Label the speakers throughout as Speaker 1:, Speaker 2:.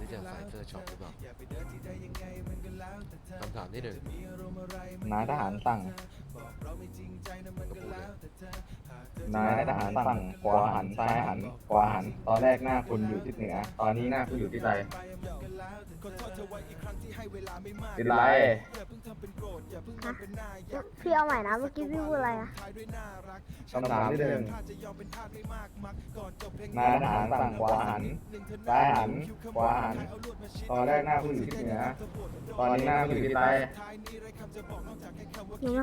Speaker 1: จะใส่เสื้อช็อปหรือเปล่าคำถามที่หนึ่ง
Speaker 2: นายทหารสั่ง
Speaker 1: ก็พูดเลย
Speaker 2: นายทหารสั่งขวาหันซ้ายหันขวาหันตอนแรกหน้าคุณอยู่ทิศเหนือตอนนี้หน้าคุณอยู่ที่ใต้ทิศไร
Speaker 3: ฮะพี่เอาใหม่นะเมื่อกี้พี่พูดอะไรอะ
Speaker 2: คำถามที่หนึ่งนายทหารสั่งขวาหันซ้ายหันขวาหันตอนแรกหน้าคุณอยู่ทิศเหนือตอนนี้หน้าคุณอยู่ที่ใต้
Speaker 3: หนูนะ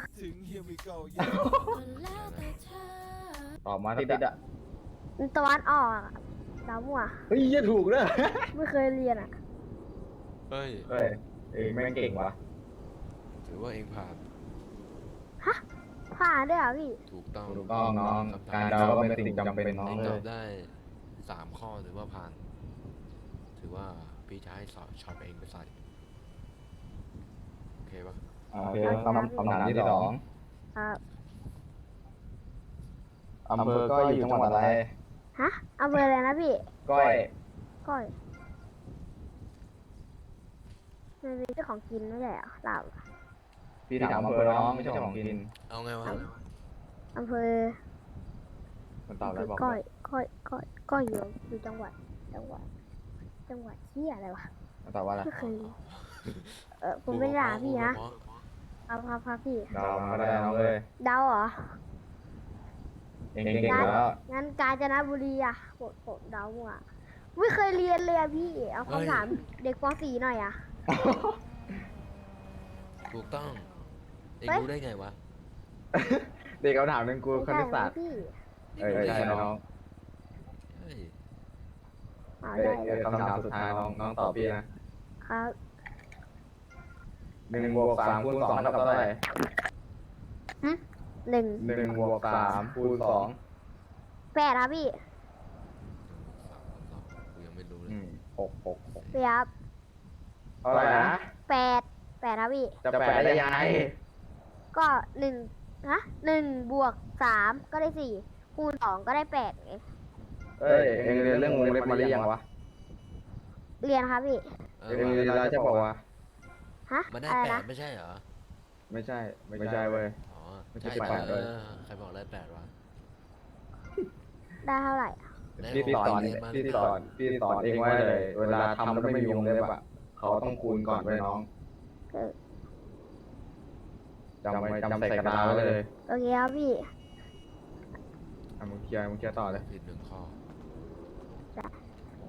Speaker 2: ตอบมาทิศอะ
Speaker 3: ตะวันออกอะดาวมั่ว
Speaker 2: เฮ้ยจะถูกเลย
Speaker 3: ไม่เคยเรียนอะ
Speaker 1: เฮ้ย
Speaker 2: เฮ้ยเองแม่งเก่งวะ
Speaker 1: ถือว่าเองผ่าน
Speaker 3: ผ่านด้วยเหรอพี่
Speaker 1: ถูกต้อง
Speaker 2: ถูกต้องน้องการเดาก็เป็นสิ่งจำเป็นน้อง
Speaker 1: เอง
Speaker 2: เล
Speaker 1: ตอย บได้3 ข้อถือว่าผ่าน ถือว่าพี่จะให้สอบช็อปเองไปใส่โอเคปะ
Speaker 2: โอเคคำถามที่สอง
Speaker 3: ครับ
Speaker 2: อำเภอก็อยู่จังหวัดอะไร
Speaker 3: ฮะเอาเบอร์อะไรนะพี่
Speaker 2: ก้อย
Speaker 3: ก้อยมันเป็นเจ้าของกินไม่ใช่เหรอเรา
Speaker 2: พี่ถามอำเภอน้องไม่ใช่ของกิน
Speaker 1: เอาไงวะ
Speaker 3: อำเภอ
Speaker 2: มันตอบอะไรบอก
Speaker 3: ก้อยก้อยอยู่จังหวัดที่อะไรวะ
Speaker 2: มันตอบว่าอะไร
Speaker 3: ไม่เคยเรียนผมไม่ด่าพี่นะครับพี่
Speaker 2: เดามาก็ได้น้องเลย
Speaker 3: เดาเหรอ
Speaker 2: เก่งแล้ว
Speaker 3: งั้นกาญจนบุรีอะผมเดามั่วไม่เคยเรียนเลยอะพี่ เอาคำถามเด็กป .4 หน่อยอะ
Speaker 1: ถูกต้องเอง
Speaker 3: เฮ้ย
Speaker 1: รู้ได้ไงวะ
Speaker 2: เด็กเขาถามหนึ่งกูคณิตศาสตร์
Speaker 3: พี่
Speaker 2: ใช่น้อง
Speaker 1: เฮ้ย
Speaker 3: เอาได้เลย
Speaker 2: คำถามสุดท้ายน้องตอบพี่นะครับ 1 บวก 3 คูณ 2 เท่ากับเท่าไหร่
Speaker 3: หนึ่ง
Speaker 2: 1 บวก 3 คูณ
Speaker 3: แปดครับพี่
Speaker 1: กูยังไม่รู้เลย
Speaker 2: 2 6
Speaker 3: พี่ครับ
Speaker 2: เท่าไหร่นะ
Speaker 3: แปดครับพี่
Speaker 2: จะแปดได้ยังไง
Speaker 3: ก็หนึ่งบวกสามก็ได้สี่คูณสองก็ได้แปดไง
Speaker 2: เอ้ยเอ็งเรียนเรื่องวงเล็บมาหรือยังวะ
Speaker 3: เรียนครับพี่
Speaker 2: เอ็งเรียนแล้วจะบอกว่า
Speaker 3: ฮะ
Speaker 1: มันได้
Speaker 3: อะไร
Speaker 1: 8
Speaker 3: นะ
Speaker 1: ไม่ใช่เหรอ
Speaker 2: ไม่ใช่เว้ย
Speaker 1: อ๋อ
Speaker 2: ไม่ใช่
Speaker 1: ใช่
Speaker 2: แปดด้วย
Speaker 1: ใครบอกได้8วะ
Speaker 3: ได้เท่าไหร่อะ
Speaker 2: พี่สอนเองไว้เลย เวลาทำแล้วไม่มีวงเล็บอ่ะเขาต้องคูณก่อนไว้น้อง
Speaker 3: เออ
Speaker 2: จำใส่กระดาษไว้เลย
Speaker 3: โอเคครับพี่
Speaker 2: มึงเคลียร์ต่อเลย
Speaker 1: ผิด1 ข้อ
Speaker 3: จ้ะ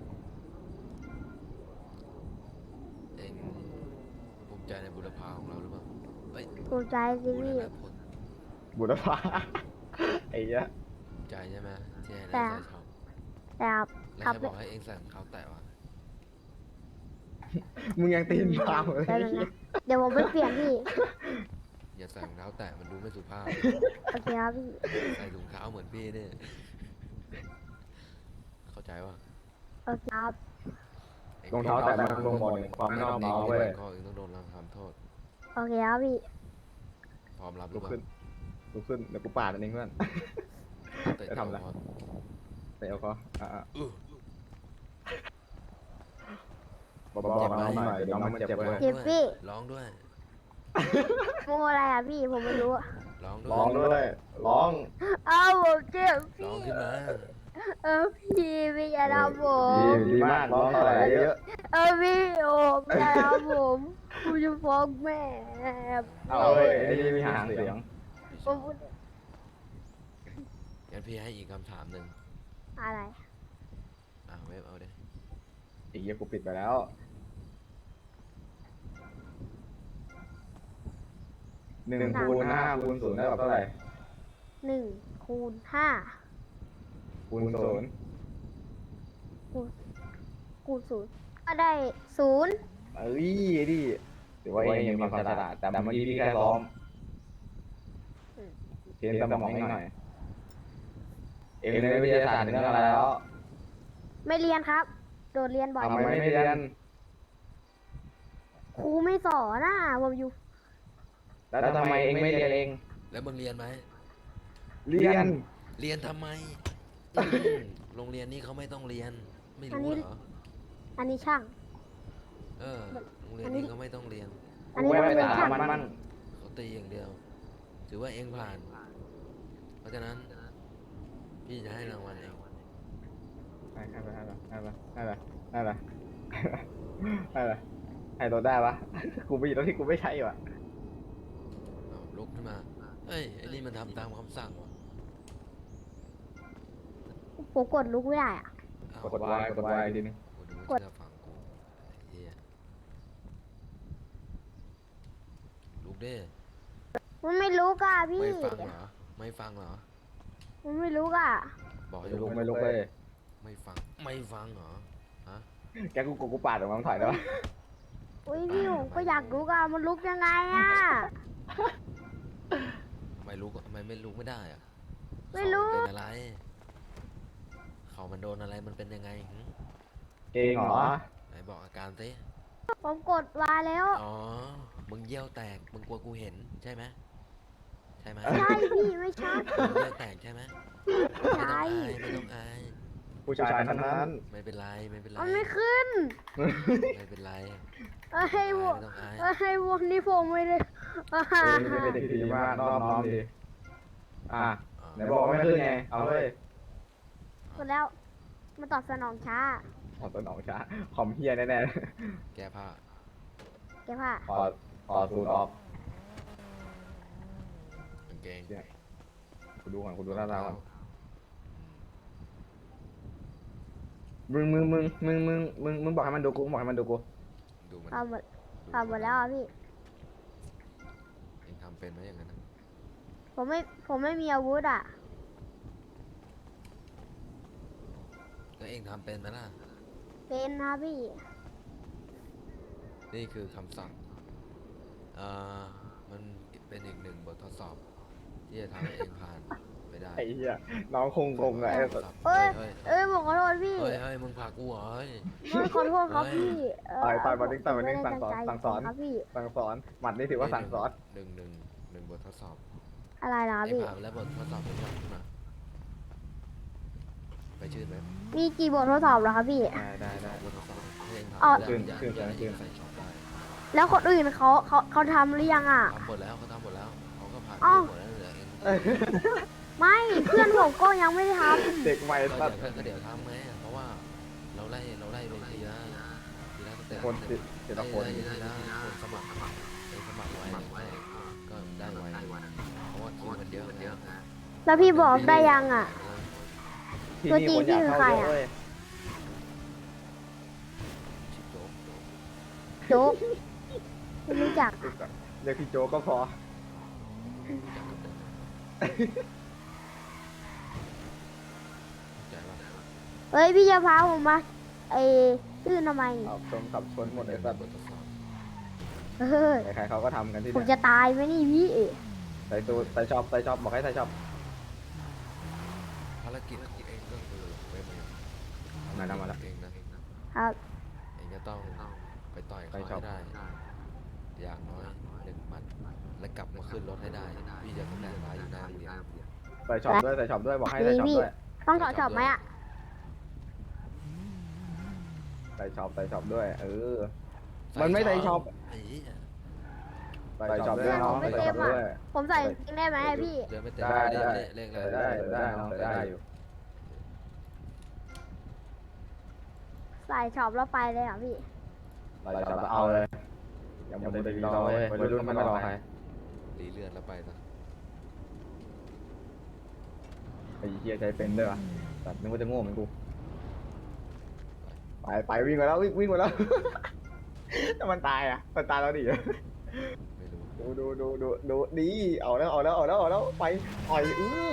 Speaker 1: เองภูมิใจในบุรพาของเราหรือเปล่าเฮ้ย
Speaker 3: ภูมิใจสิ
Speaker 1: บูร
Speaker 3: พี่
Speaker 1: ณพล
Speaker 2: บุรพา ไอ้เหี้ย
Speaker 1: ภูมิใจใช่ไหมที่ให้
Speaker 3: แต่
Speaker 1: ได้ใส่ช็อป
Speaker 3: แต่ครับ
Speaker 1: แล้ว
Speaker 3: ครับ
Speaker 1: ใครบอกให้เองใส่รองเท้าแตะวะ
Speaker 2: มึงยังตีนเปล่าเลย
Speaker 3: แป๊บนึงนะเดี๋ยวผมไปเปลี่ยนพี่
Speaker 1: อย่าใส่รองเท้าแตะมันดูไม่สุภาพ
Speaker 3: โอเคครับพี่
Speaker 1: ใส่ถุงเท้าเหมือนพี่เนี่ยเข้าใจว่า
Speaker 3: โอเคครับ
Speaker 2: รองเท้าแตะมันลงบ่อหนึ่งความไม่นอบน้อมเว้ย
Speaker 1: ข้อเองต้องโดนทำโทษ
Speaker 3: โอเคครับพี่
Speaker 1: พร้อมรับหรื
Speaker 2: ลุ
Speaker 1: อก เปล่า
Speaker 2: ขึ้นเดี๋ยวกูปาดอันนี้เพื่อน
Speaker 1: เตะ
Speaker 2: จะทำอะไร
Speaker 1: พอ
Speaker 2: เตะเอาเขา
Speaker 1: อื้อ
Speaker 2: บอกน้องหน่อยเดี๋ยวน้องมันเจ็บเว้ย
Speaker 3: เจ็บพี่
Speaker 1: ร้องด้วย
Speaker 3: โมอะไรอ่ะพี่ผมไม่รู้อะ
Speaker 1: ร้องด้
Speaker 2: ร้อง
Speaker 1: วย
Speaker 2: ด้วยร้อง
Speaker 3: เอาผมเจ็บ
Speaker 1: ร้อง
Speaker 3: พี่
Speaker 1: ขึ้นมา
Speaker 3: พี่อย่าทำผม
Speaker 2: ดีมากร้องต่ออะไรเยอะ
Speaker 3: พี่โอมอย่าทำผมกูจะฟ้องแม่
Speaker 2: เอาเว้ยไอ้นี่มีหางเสียง
Speaker 3: ผมพูด
Speaker 1: งั้นพี่ให้อีกคำถามหนึ่ง
Speaker 3: อะไร
Speaker 1: เว็บเอาเด้
Speaker 2: อีกเหี้ยกูปิดไปแล้ว1 คูณ 5 คูณ 0 ได้เท่าไหร่
Speaker 3: 1 คูณ 5
Speaker 2: คูณ 0
Speaker 3: คูณ 0 ก็ได้ 0
Speaker 2: เอ้ยดิถือว่าเองมีความฉลาดแต่เมื่อกี้พี่แค่ซ้อมเทรนสมองให้หน่อย เองเรียนวิทยาศาสตร์ถึงเรื่องอะไรแล้ว
Speaker 3: ไม่เรียนครับ โดดเรียนบ่อย
Speaker 2: ทำไมไม่เรียน
Speaker 3: ครูไม่สอนนะผมอยู่
Speaker 2: แล้วทำไมเองไม่เรียนเอง
Speaker 1: แล้วมึงเรียนไหม
Speaker 2: เรียน
Speaker 1: เรียนทำไมโรงเรียนนี้เขาไม่ต้องเรียน ไม่รู้เหรอ
Speaker 3: อันนี้ช่าง
Speaker 1: เออโรงเรียนนี้ก็ไม่ต้องเรียน
Speaker 3: อันนี้
Speaker 2: กู
Speaker 3: มัน
Speaker 2: ไม่
Speaker 3: เป็น
Speaker 2: ไป
Speaker 3: ฉา
Speaker 2: ตาก มมัน
Speaker 1: เขาตีอย่างเดียว ถือว่าเองผ่าน เพราะฉะนั้น พี่จะให้รางวัลเอง
Speaker 2: ให้รถได้ปะกูมีรถที่กูไม่ใช้ว่ะ
Speaker 1: เอาลุกขึ้นมา เฮ้ยไอ้นี่มันทำตามคำสั่งว่ะ
Speaker 3: ผมกดลุกไม่ได้อะ
Speaker 1: เอา
Speaker 2: กดวายกดวายทีนึง
Speaker 1: กูดูว่าเชื่อฟังกูไอ้เหี้ยลุกเด้
Speaker 3: มันไม่ลุกอ่ะพี่
Speaker 1: ไม่ฟังเหรอ ไม่ฟังเหรอ
Speaker 3: มันไม่ลุกอ่ะ
Speaker 1: บอกให้
Speaker 2: ไม่
Speaker 1: ลุ
Speaker 2: ลุ
Speaker 1: ก
Speaker 2: กไม่ลุกเลย
Speaker 1: ไม่ฟัง ไม่ฟังเหรอ ฮะ
Speaker 2: แกกูปาดออกมาถอยแล้ว
Speaker 3: อุ้ยพี่ผมก็อยากลุกอ่ะมันลุกยังไงอ่ะ
Speaker 1: ไม่ลุกทำไมไม่ลุกไม่ได้อะ
Speaker 3: ไม่รู้
Speaker 1: เขาเป็นอะไร เขามันโดนอะไรมันเป็นยังไงหึ
Speaker 2: เก่งเหรอ
Speaker 1: ไหนบอกอาการสิ
Speaker 3: ผมกดวาแล้ว
Speaker 1: อ๋อ มึงเยี่ยวแตก มึงกลัวกูเห็นใช่ไหมใช่ไหม
Speaker 3: ใช่พี่ไม่ใช่
Speaker 1: มึงเยี่ยวแตกใช่ไหมไม่ต้อง
Speaker 3: ใช่
Speaker 1: อายไม่ต้องอาย
Speaker 2: ผู้ชายทั้งนั้น
Speaker 1: ไม่เป็นไรไม่เป็นไร
Speaker 3: มันไม่ขึ้น
Speaker 1: ไม่เป็นไร
Speaker 3: เอ้ยวัว
Speaker 1: ไม่ต้องอาย
Speaker 3: เอ้ยวัวนี่ผมไม่ได้อ่า
Speaker 2: เป็นเด็กดีมากนอบน้อมดีอ่ะ
Speaker 1: อ๋อ
Speaker 2: ไหนบอกว่าไม่ขึ้นไงเอาเลย
Speaker 3: กดแล้วมันตอบสนองช้า
Speaker 2: ขอตัวหนองช้าคอมเฮียแน่
Speaker 1: แก้ผ้า
Speaker 3: แกว่า
Speaker 2: ๆขอสูตรออก
Speaker 1: กางเกง
Speaker 2: กูดูก่อนกูดูหน้าตาก่อน
Speaker 1: อืม
Speaker 2: มึงบอกให้มันดูกูบอกให้มันดูกู
Speaker 1: ดูมัน
Speaker 3: ทำหมดทำหมดแล้วอ่ะพี่
Speaker 1: เองทำเป็นไหมอย่างนั้นนะ
Speaker 3: ผมไม่มีอาวุธอ่ะ
Speaker 1: แล้วเองทำเป็นไหมล่ะ
Speaker 3: เป็นนะพี่
Speaker 1: นี่คือคำสั่งมันเป็นอีกหนึ่งบททดสอบ ที่จะทำให้เองผ่านไปได้
Speaker 2: ไอ้เหี้ยน้องคงไงไอ้สัส
Speaker 3: เอ้ย
Speaker 1: เฮ้ย
Speaker 3: เอ้ยผมขอโทษพี่
Speaker 1: เฮ้ยเฮ้ยมึงผลักกูเหรอเฮ้ย
Speaker 3: ไม่ขอโทษครับ
Speaker 1: เฮ้ย
Speaker 3: พี่
Speaker 2: ต่อยมาดิ้งต่อยมาดิ้ง
Speaker 3: ผมไม่ได้
Speaker 2: สั่งสอน
Speaker 3: ตั้ใจครับพี่
Speaker 2: สั่งสอนหมัดนี่ถือว่าสั่งสอน
Speaker 1: หนึ่งบททดสอบ
Speaker 3: อะไรนะ
Speaker 1: เอง
Speaker 3: พี่
Speaker 1: ผ่านไปแล้วบททดสอบเป็นยังขึ้นมาไปชื่นไหม
Speaker 3: มีกี่บททดสอบเหรอครับพี่
Speaker 2: ได้
Speaker 1: บททดสอบให้เอง
Speaker 3: อ๋อ
Speaker 1: ทำได้อย่าให้เองใส่ช็อปได้
Speaker 3: แล้วคนอื่นเขาทำหรือยังอ่ะ
Speaker 1: ทำหมดแล้วเขาทำหมดแล้วเขาก็ผ่าน
Speaker 3: อ้าว
Speaker 1: หมดแล้วเหลือเอง
Speaker 3: ไม่เพื่อนผมก็ยังไม่ได้ท
Speaker 2: เด็กใหม่
Speaker 1: ก็
Speaker 2: สัส
Speaker 1: เดี๋ยวทำไงเพราะว่าเราไล่ไปทีละตั้งแต่
Speaker 2: คนติดทีละคน
Speaker 1: ทีละคนสมัครเองสมัครไว้ก็ได้ไว้เพราะว่าคิวมันเยอะ
Speaker 3: ำแล้วพี่บอกได้ยังอ่ะ
Speaker 2: ที่นี่คนอยากเข้าเยอะเว้ย
Speaker 1: ชิบโจ๊ก
Speaker 3: โจ๊กไม่รู้จัก
Speaker 2: เรียกพี่โจก็พอ
Speaker 1: ใจว่า
Speaker 3: เฮ้ยพี่จะพาผมมาไอ้ชื่อทำไม
Speaker 2: เอาชนขับชนหมดเลยสัส
Speaker 1: บททดสอบ
Speaker 3: เฮ้ย
Speaker 2: ใครๆเขาก็ทำกันที่
Speaker 3: ผม
Speaker 2: เนี่ย
Speaker 3: จะตายไหมนี่พี่
Speaker 2: ใส่ตูใส่ช็อปบอกให้ใส่ช็อป
Speaker 1: ภารกิจของเองก็คือเว็บเอง
Speaker 2: มาแล้ว
Speaker 1: เองนะครับ เองจะต้องไปต่อยเขาให้ได้อย่างน้อย1 มัดและกลับมาขึ้นรถให้ได้พี่จะต้องแบกไว้อยู่หน้าโรงเรียน
Speaker 2: ใส่ช็อปด้วยบอกให้ใส่ช็อปด้วย
Speaker 3: ต้องถอดช็อปไหมอ่ะ
Speaker 2: ใส่ช็อปด้วยมันไม่ใส่ช็อป
Speaker 1: ไอ้เหี้ย
Speaker 2: ใส่ช็อปด้วยน้องใส่ช็อปด้วย
Speaker 3: ผมใส่จริงได้ไหมอะพี่
Speaker 1: เดินไม่เต็ม
Speaker 2: ได้
Speaker 1: เลข
Speaker 2: ใส่
Speaker 1: อะไร
Speaker 2: ได้น้องใส่ได้อยู่
Speaker 3: ใส่ช็อปแล้วไปเลยเหรอพี่
Speaker 2: ใส่ช็อปเอาเลยอย่ามัวแต่รอเว้ยวัยรุ่นไม่รอใคร
Speaker 1: รีเลือดแล้วไปซะ
Speaker 2: ไอ้เหี้ยใจเป็นด้วยวะแต่นึกว่าจะโง่เหมือนกูไปวิ่งมาแล้ววิ่งมาแล้วถ้ามันตายอ่ะมันตายแล้วดิ
Speaker 1: ไม่รู้
Speaker 2: ดูดีเอาแล้วไปอ่อย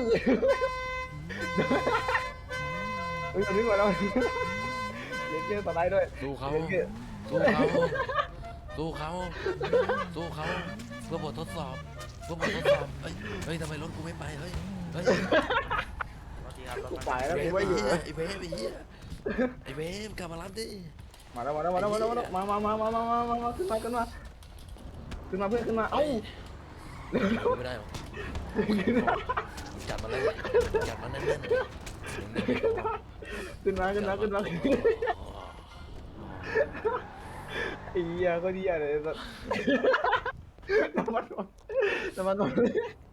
Speaker 2: มันวิ่งมาแล้วเลี้ยงเกี้ยวต่อได้ด้วย
Speaker 1: สู้เขา
Speaker 2: เลี้ยงเกี้ยว
Speaker 1: สู้เขาเพื่อบททดสอบเฮ้ยทำไมรถกูไม่ไปเฮ้ย
Speaker 2: กูไปแล้วกูไม่อยู่
Speaker 1: ไอ้เวฟกลับมารับดิ
Speaker 2: มาแล้วมาขึ้นมาเพื่อนขึ้นมาเอ้า
Speaker 1: ไม่ได้หรอกจัดมาเลยจัดมาแน่น
Speaker 2: ขึ้น
Speaker 1: ๆ
Speaker 2: มาไอ้เหี้ยก็เหี้ยเลยสัสน้ำมัน